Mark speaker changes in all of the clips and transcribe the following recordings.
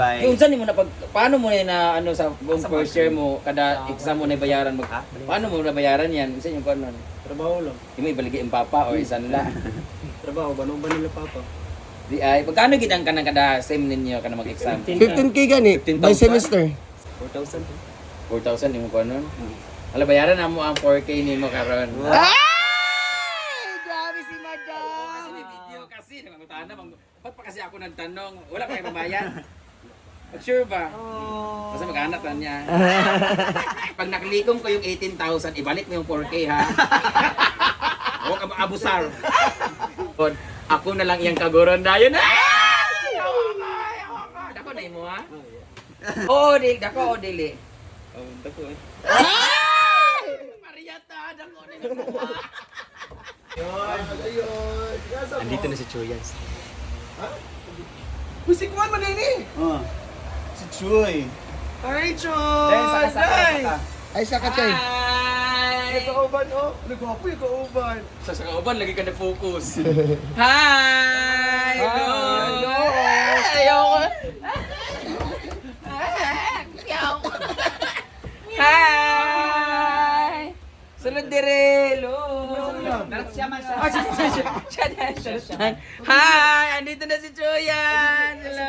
Speaker 1: Yung saan mo na paano mo na ano sa buong first year mo kada exam mo na bayaran mo? Paano mo na bayaran yan? Isa yung ano?
Speaker 2: Trabaho lang.
Speaker 1: Yung may ibaligi yung papa o isan la.
Speaker 2: Trabaho, ba nila papa?
Speaker 1: Di ay pagkano gidang ka ng kada sem ninyo kana mag-exam?
Speaker 3: 15K gani, by
Speaker 1: 15,000?
Speaker 3: semester.
Speaker 2: 4,000.
Speaker 1: 4,000 yung ko nun. Hala bayaran na mo ang 4K nimo karon.
Speaker 3: Ay! Grabe si Madam!
Speaker 1: Kasi may video kasi nangutana bang ba't pa kasi ako nagtanong wala pa kayo babayad? Sure ba? Basta mag-anak lang niya. Pag nakalikom ko yung 18,000, ibalik mo yung 4K ha. Huwag ka abusar. Ako na lang iyang kagoron na yun. Dako na mo ha? Oo, dili. Dako o dili.
Speaker 2: Dako eh.
Speaker 1: Mariata, dako na mo.
Speaker 2: Andito na si Choyans.
Speaker 3: Musik mo man ini.
Speaker 2: Si Choy.
Speaker 3: Ay, Choy! Ay, saka Choy.
Speaker 1: Hi!
Speaker 3: Kauban, oh. Nagwapo yung kauban.
Speaker 1: Sa kauban, lagi ka na-focus. Hi! Hello! Ayoko! Ayoko! Hi! Sunod dire! Hello! Siya man siya. Siya. Hi! Andito na si Chuyan! Hello!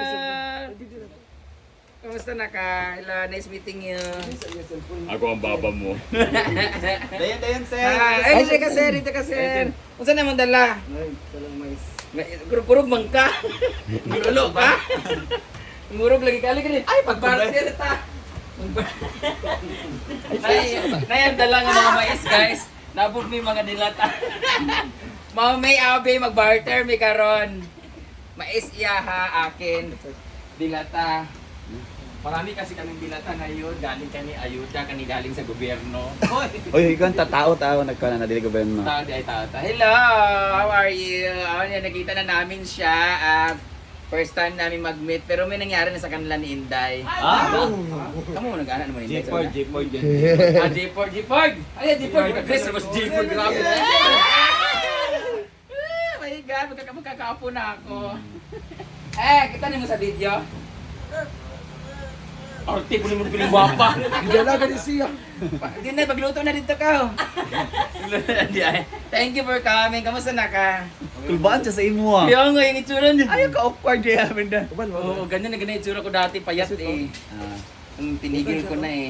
Speaker 1: Kamusta na ka? Hello, nice meeting you.
Speaker 4: Ako ang baba mo.
Speaker 2: Dayan, sir.
Speaker 1: Ay, dito ka sir, dito ka sir. Kung saan naman dala?
Speaker 2: Ay, talang mais.
Speaker 1: Kurog man ka. Gulo ka. Murog lagi ka. Ay, pagbarter ta. Nayan dala nga mga mais guys. Nabog may mga dilata. Mga may abe magbarter may karon. Mais iya ha akin. Dilata. Marami kasi kaming dilata ngayon, galing kami ayuda, kani galing sa gobyerno.
Speaker 2: Oy, ikaw ang tao nagkana na dili gobyerno.
Speaker 1: Tao di ay tao. Hello! How are you? Nakita na namin siya. First time namin mag-meet, pero may nangyari na sa kanila ni Inday. Kamu mo nag-ana naman Inday?
Speaker 2: J4 yan.
Speaker 1: J4! Ay, J4! Chris, mas J4, grabe. My God, magkakaapo na ako. Kita niyo mo sa video? Arte ko naman piling guwapa.
Speaker 3: Dala ka siya.
Speaker 1: Hindi na, pagluto na dito ka. Thank you for coming. Kamusta na ka?
Speaker 2: Kulbaan siya sa imo ah.
Speaker 1: Kaya nga yung itsura niya.
Speaker 2: Ayaw ka awkward ya Aminda.
Speaker 1: Oo, ganyan na ganyan yung itsura ko dati. Payat eh. Tinigil ko na eh.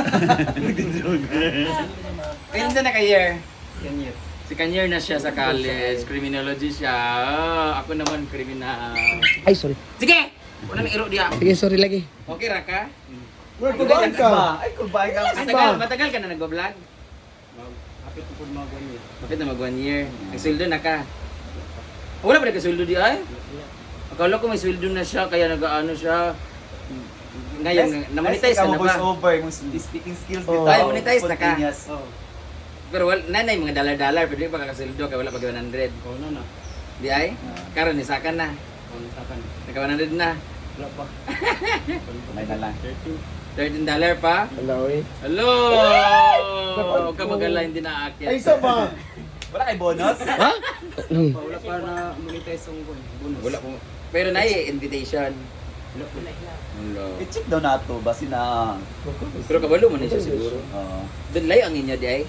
Speaker 1: Kaya na ka-year?
Speaker 2: Kanyet.
Speaker 1: Si Kanyer na siya sa college. Criminology siya. Ako naman kriminal.
Speaker 3: Ay, sorry.
Speaker 1: Sige! Wala nang iro diya.
Speaker 3: Sige, sorry lagi.
Speaker 1: Okay ra ka?
Speaker 3: Kulbaan ka.
Speaker 2: Ay, kulbaan ka.
Speaker 1: Matagal ka na nag-vlog?
Speaker 2: Kapit ko mga ganyan.
Speaker 1: Bakit na mag 1 year? Nagsildo na ka? Wala ba nagkasildo di ay? Akala ko may sweldo na siya, kaya nag-ano siya. Ngayon, na-monetize ka na ba?
Speaker 2: Voice over, yung speaking skills dito.
Speaker 1: Ay, monetize na ka?
Speaker 2: Spontaneous.
Speaker 1: Pero wala, nanay, mga dollar-dollar, pero di pa kakasildo, kaya wala pa 100.
Speaker 2: Oo na.
Speaker 1: Di ay? Karon ni sakan na. Naka 100 na.
Speaker 2: Wala pa. May na lang.
Speaker 1: $13 pa?
Speaker 3: Hello, eh.
Speaker 1: Hello! Huwag ka mag-ala, hindi na aakyat.
Speaker 3: Ay, isa ba?
Speaker 2: Wala kay bonus?
Speaker 3: Ha?
Speaker 2: Wala pa na monetize yung bonus.
Speaker 1: Wala po. Pero na invitation. Wala.
Speaker 2: I-check daw na ito, basi na.
Speaker 1: Pero kabalo mo na siya siguro. Doon layo ang inyo di ay?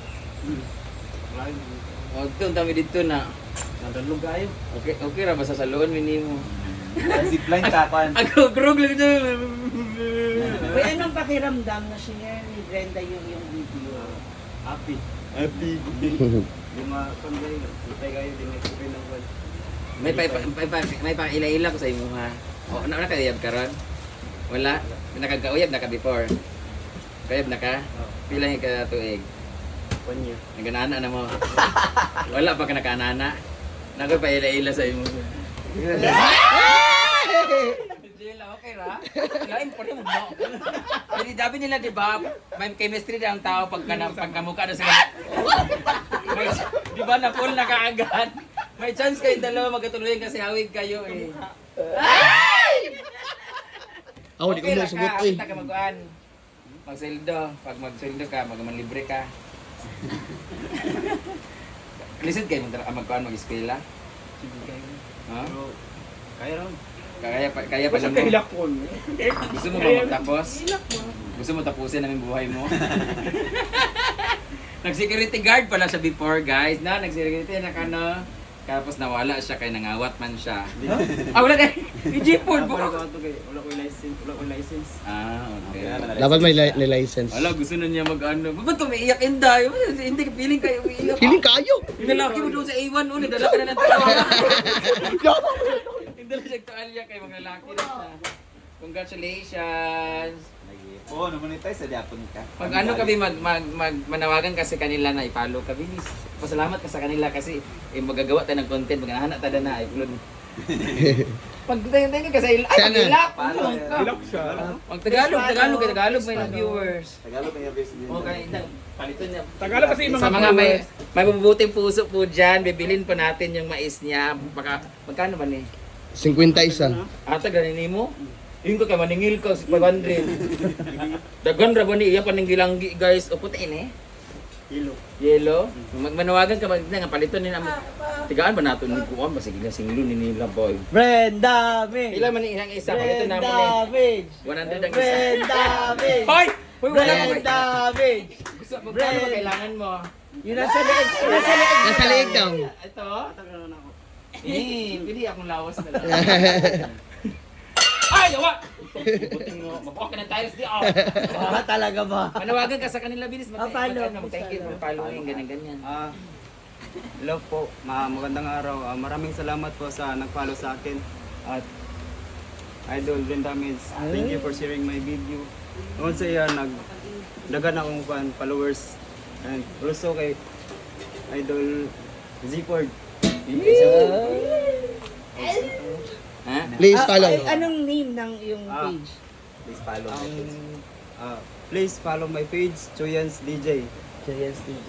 Speaker 1: Huwag ito, ang dami dito na.
Speaker 2: Nadalog kayo.
Speaker 1: Okay ra ba sa saloon, minimo?
Speaker 2: Zipline ka kan.
Speaker 1: Ako, krug lang ito.
Speaker 5: Uy, anong pakiramdam na share ni Brenda yung video?
Speaker 2: Happy. Yung mga kambay, itay kayo din nag-sabi ng word.
Speaker 1: May pa ila-ila ko sa imo ha. O, nakayab ka ron? Wala? Nakagauyab na ka before? Kayab na ka? Pila yung ka tuig?
Speaker 2: 1 year.
Speaker 1: Naganana na mo. Wala pa ka nakaanana. Nakoy pa ila-ila sa imo. Jela, okay ra? Lain pa rin mo. Hindi dabi nila, di ba? May chemistry na ang tao pagkamukha na sila. Di ba na full na kaagad? May chance kayong dalawa magkatuloy kasi hawig kayo eh.
Speaker 3: Ako, di ko mo sugot, eh.
Speaker 1: Kita ka mag-uan. Magsildo. Pag magsildo ka, magmanlibre ka. Lisod kayo mag-uan mag-eskwela?
Speaker 2: Sige kayo.
Speaker 1: Ha?
Speaker 2: Pero, kaya rin.
Speaker 1: Kaya pa
Speaker 2: Basta
Speaker 1: mo.
Speaker 2: kahilak ko.
Speaker 1: Gusto mo ba magtapos? Gusto mo tapusin namin buhay mo? Nag-security guard pala siya before, guys. Na, nag-security na tapos nawala siya kaya nangawat man siya. Wala na. G-Ford
Speaker 2: Wala
Speaker 1: po.
Speaker 2: ko license.
Speaker 1: Ah, okay.
Speaker 3: Dapat may license.
Speaker 1: Wala, gusto na niya mag-ano. Ba't ka umiiyak, Inday? Hindi ka feeling kayo umiiyak.
Speaker 3: Feeling kayo!
Speaker 1: Yung lalaki mo doon sa A1 ulit, dala ka na ng tawa. Hindi lang siya tuwalya kay mga lalaki na siya. Congratulations!
Speaker 2: Oo, namonetize sa Japon ka.
Speaker 1: Pag ano kami manawagan kasi kanila na i-follow ka, bilis. Pasalamat ka sa kanila kasi magagawa tayo ng content, maghahanap tayo na i-upload. Pag tayo kasi ay
Speaker 3: Sana.
Speaker 1: ilap!
Speaker 2: Hilak siya.
Speaker 1: Pag Tagalog may na viewers.
Speaker 2: Tagalog na yung business.
Speaker 1: Okay, paliton niya.
Speaker 2: Tagalog kasi yung
Speaker 1: Sa mga may mabubuting puso po dyan, bibilin po natin yung mais niya. Magkano ba ni?
Speaker 3: 51.
Speaker 1: Ata ganin mo? Yung ka maningil ka 500. Dagan ra ba ni iya paningilanggi guys. O puti ni. Yellow. Magmanawagan ka nga paliton ni na. Tigaan ba nato ni kuan ba sige singlo ni nila boy.
Speaker 5: Brenda May!
Speaker 1: Pila man ni ilang isa paliton na mo
Speaker 5: Brenda May!
Speaker 1: ni 100 ang isa.
Speaker 5: Brenda May!
Speaker 1: Hoy! Hoy wala ka ba?
Speaker 5: Brenda May!
Speaker 1: Gusto mo ba kailangan mo?
Speaker 5: Yun nasa leeg! Nasa leeg!
Speaker 3: Nasa leeg daw.
Speaker 1: Ito. Pili akong lawas na lang. Ay, gawa! Mabuka ka ng tiles di ako.
Speaker 5: Talaga ba?
Speaker 1: Manawagan ka sa kanila, bilis.
Speaker 5: Follow.
Speaker 1: Thank you for following, ganyan-ganyan.
Speaker 2: Hello po, magandang araw. Maraming salamat po sa nag-follow sa akin. At Idol Brenda Mids, thank you for sharing my video. Also yan, nagdagan akong followers. And also kay Idol Z-Ford.
Speaker 1: Ha?
Speaker 3: Please follow.
Speaker 5: Anong name ng iyong page?
Speaker 2: Please follow my page. Please follow my page, Choyans DJ.
Speaker 5: JS DJ.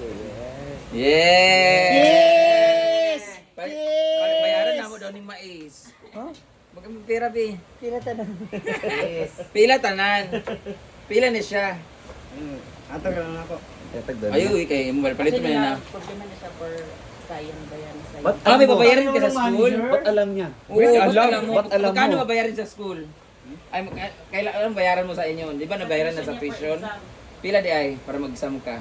Speaker 1: Yes!
Speaker 5: Yes!
Speaker 1: Bayaran na mo daw ni Mais.
Speaker 5: Huh?
Speaker 1: Pira, Bi.
Speaker 5: Pila tanan.
Speaker 2: Yes.
Speaker 1: Pila tanan. Pila ni siya.
Speaker 2: Atag lang ako.
Speaker 1: Ayo, kay mo palit mo na.
Speaker 6: Problema na siya for sayang bayan sa
Speaker 2: Ba't
Speaker 1: May babayaran ka sa school?
Speaker 2: Ba't alam niya?
Speaker 1: Oo, ba't alam mo?
Speaker 2: Ba't alam
Speaker 1: Magkano
Speaker 2: mo?
Speaker 1: mabayaran sa school? Ay, kailangan bayaran mo sa inyo. Di ba nabayaran na sa tuition? Pila di ay, para mag-exam ka.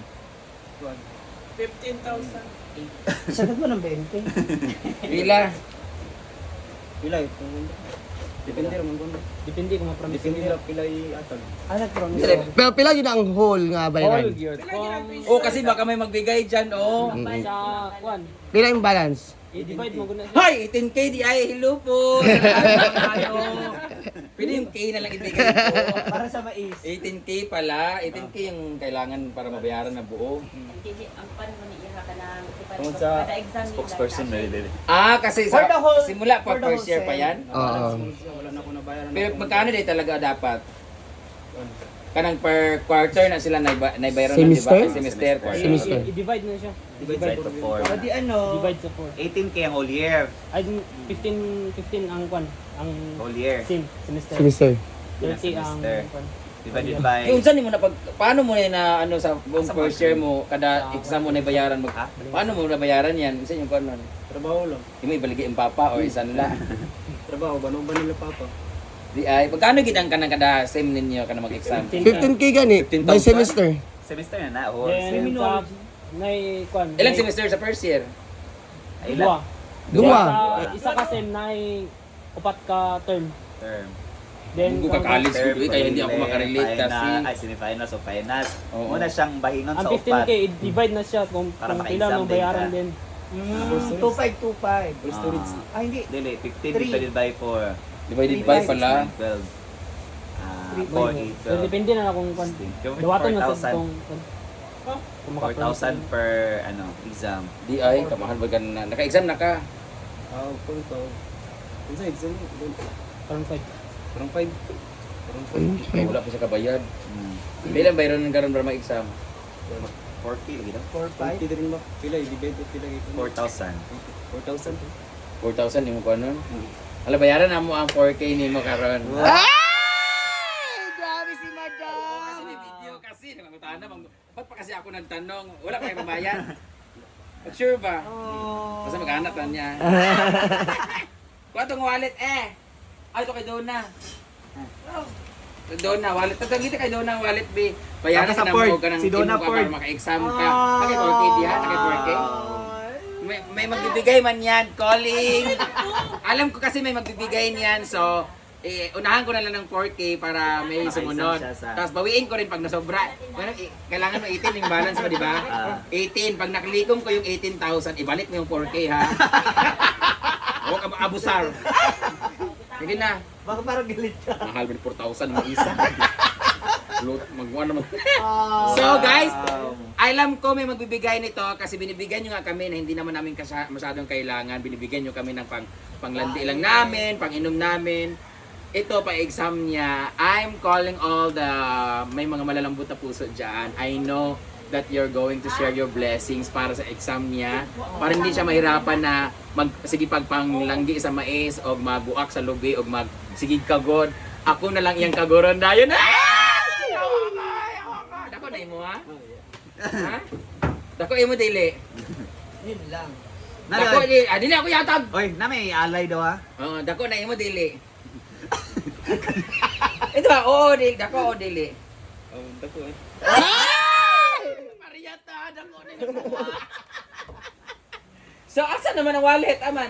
Speaker 6: 15,000.
Speaker 5: Sagot mo ng 20.
Speaker 1: Pila?
Speaker 2: Pila ito. Depende naman kung
Speaker 5: Depende kung ma-promise.
Speaker 2: Depende lang pila i-atag.
Speaker 5: Nag-promise.
Speaker 3: Pero pila yun ang whole nga bayaran.
Speaker 1: Oh, kasi baka may magbigay dyan, oh.
Speaker 5: Sa kwan.
Speaker 3: Pila yung balance.
Speaker 5: I-divide mo guna siya.
Speaker 1: Hi, 18K di ay, hello po. Ano? Pwede yung K na lang ibigay po.
Speaker 5: Para sa mais.
Speaker 1: 18K pala. 18K yung kailangan para mabayaran na buo.
Speaker 6: Ang pan mo ni Iha ka ng
Speaker 2: Kung sa
Speaker 6: kada exam nila.
Speaker 2: spokesperson na rin.
Speaker 1: Kasi
Speaker 5: For the whole-
Speaker 1: simula pa
Speaker 5: for the
Speaker 1: first
Speaker 5: whole
Speaker 1: year pa
Speaker 5: sem.
Speaker 1: yan.
Speaker 3: Oo.
Speaker 2: Wala na ako nabayaran.
Speaker 1: Pero magkano din talaga dapat? Kanang per quarter na sila naibayaran na, di ba?
Speaker 3: Semester?
Speaker 1: Semester.
Speaker 3: Semester.
Speaker 5: I-divide na siya.
Speaker 2: Divide to 4.
Speaker 5: O di ano? Divide sa 4.
Speaker 2: 18K ang whole year.
Speaker 5: Ay, 15 ang kwan. Ang
Speaker 2: Whole year.
Speaker 5: semester.
Speaker 3: Semester.
Speaker 5: 30 ang
Speaker 2: Semester.
Speaker 5: kwan.
Speaker 2: Divided by...
Speaker 1: Yung saan mo na paano mo na ano sa buong first year mo, kada exam mo na bayaran mo, paano mo na bayaran yan? Isa yung kung ano?
Speaker 2: Trabaho lang.
Speaker 1: Yung may ibaligay ang papa or isan la.
Speaker 2: Trabaho, ba nila papa?
Speaker 1: Di ay, magkano gidang ka ng kada sem ninyo ka na mag-exam?
Speaker 3: 15K gani.
Speaker 1: 15,000?
Speaker 3: By semester.
Speaker 2: Semester na o
Speaker 5: Then, sa... Nay, kwan.
Speaker 1: Ilang semester sa first year?
Speaker 5: Dua.
Speaker 3: Dua.
Speaker 5: Isa ka sem, nay, upat ka term.
Speaker 2: term.
Speaker 5: Then,
Speaker 1: Hindi ka college
Speaker 2: Term,
Speaker 1: ko kaya hindi ako
Speaker 2: preliminary,
Speaker 1: makarelate kasi.
Speaker 2: final, ay semifinals o finals.
Speaker 1: Oo.
Speaker 2: Muna siyang bahingan
Speaker 5: ang
Speaker 2: sa
Speaker 5: 15K,
Speaker 2: upat.
Speaker 5: i-divide na siya kung
Speaker 2: Para
Speaker 5: kung
Speaker 2: maka-exam
Speaker 5: kailan mo
Speaker 2: din
Speaker 5: bayaran
Speaker 2: ka.
Speaker 5: din.
Speaker 6: 2525.
Speaker 2: Hindi, 15 divided by 4.
Speaker 1: Divided by pala.
Speaker 2: 12. 4,
Speaker 5: So, depende na kung kung dawaton na sa
Speaker 2: 4,000.
Speaker 5: kung kung maka-promise
Speaker 2: 4,000 per exam.
Speaker 1: Di ay, kamahal ba na? Naka-exam na ka?
Speaker 2: Kung to. Kung sa exam,
Speaker 5: parang 5.
Speaker 2: parang 5.
Speaker 1: Wala pa siya kabayad. Ilan bayron ng karon para mag-exam?
Speaker 2: 4K lagi daw.
Speaker 5: 4-5.
Speaker 2: Pwede rin ba? Pila, i-divide it, pila ito. 4,000. 4,000.
Speaker 1: 4,000 yung ko nun? Hala, bayaran na mo ang 4K ni mo karon.
Speaker 3: Grabe si madam!
Speaker 1: Kasi may video kasi, nagtanong, ba't pa kasi ako nagtanong? Wala pa kayo babayan? Sure ba? Basta mag-anak lang niya. Kuha tong wallet Ay, ito kay Donna. Donna, wallet. Tatagita kay Donna, wallet, B. Bayaran
Speaker 2: Saka sa
Speaker 1: ka na
Speaker 2: Ford.
Speaker 1: mo ka ng
Speaker 2: Si Donna
Speaker 1: imo ka
Speaker 2: Ford.
Speaker 1: para maka-exam ka. Nakay 4K diha, nakay 4K. May magbibigay man yan, calling. Alam ko kasi may magbibigay niyan, so unahan ko na lang ng 4K para may sumunod.
Speaker 2: siya sa-
Speaker 1: Tapos bawiin ko rin pag nasobra. Kailangan mo 18 yung balance mo, di ba? 18. Pag naklikom ko yung 18,000, ibalik mo yung 4K, ha? Huwag ka abusar. Sige na.
Speaker 5: Baka parang galit ka.
Speaker 1: Mahal mo 4,000 mo isa. Magbuwan naman. So guys, alam ko may magbibigay nito kasi binibigyan nyo nga kami na hindi naman namin masyadong kailangan. Binibigyan nyo kami ng panglandi lang namin, pang-inom namin. Ito, pa-exam niya. I'm calling all the may mga malalambot na puso dyan. I know that you're going to share your blessings para sa exam niya. Para hindi siya mahirapan na sige pagpanglanggi sa mais o magbuak sa lubi o magsigig kagod. Ako na lang iyang kagoron na yun. Dako na imo ha? Ha? Dako imo dili.
Speaker 5: Yun lang.
Speaker 1: Dako dili ako yatag.
Speaker 2: Oy, na may alay daw ha.
Speaker 1: Oo, dako na imo dili. Ito ba? Oo, dili. Dako o dili.
Speaker 2: Oh, dako eh.
Speaker 1: Mariata, dako na imo. So, asa naman ang wallet, aman?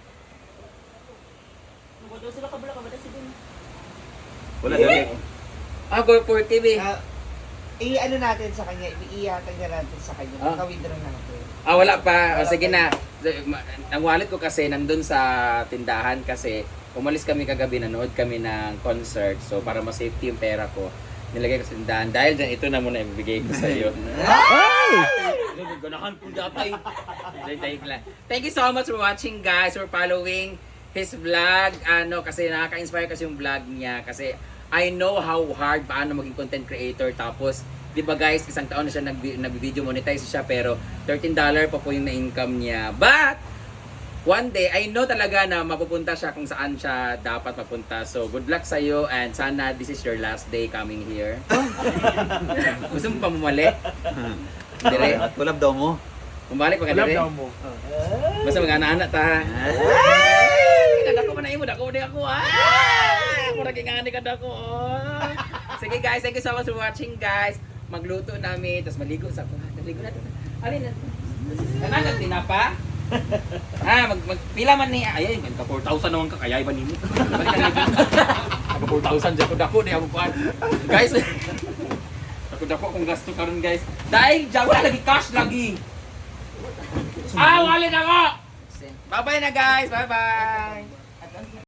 Speaker 6: Magod sila kabula ka ba si Dun?
Speaker 2: Wala daw.
Speaker 1: Ako for TV.
Speaker 5: I-ano natin sa kanya, iihatag na natin sa kanya.
Speaker 1: Ah.
Speaker 5: Maka-withdraw natin.
Speaker 1: Wala pa. O, sige na. Ang wallet ko kasi nandun sa tindahan kasi umalis kami kagabi, nanood kami ng concert. So, para ma-safety yung pera ko, nilagay ko sa tindahan. Dahil dyan, ito na muna ibibigay ko sa iyo. Ganahan kong gatay. Thank you so much for watching, guys, for following his vlog. Kasi nakaka-inspire kasi yung vlog niya. Kasi I know how hard paano maging content creator. Tapos, di ba guys, isang taon na siya nag-video monetize siya, pero $13 pa po yung na-income niya. But, one day, I know talaga na mapupunta siya kung saan siya dapat mapunta. So, good luck sa'yo and sana this is your last day coming here. Gusto mo pa bumalik? Dire?
Speaker 2: At kulab daw mo.
Speaker 1: Bumalik pa ka dire?
Speaker 2: mo.
Speaker 1: Basta mag-ana-ana ta. Dako pa na imo, dako na ako. Ako nagingani ka dako. Sige guys, thank you so much for watching guys. Magluto namin, tapos maligo sa ako. Maligo natin. Alin na? Kanan tinapa? Magpila man ni ayun, ka 4,000 naman ka kaya iba nimo. Bakit ka 4,000 dyan ko dako di ako kuan. Guys, dako kung gasto karon guys. Dahil dyan wala lagi cash lagi. Wallet ako. Bye-bye na guys. Bye-bye.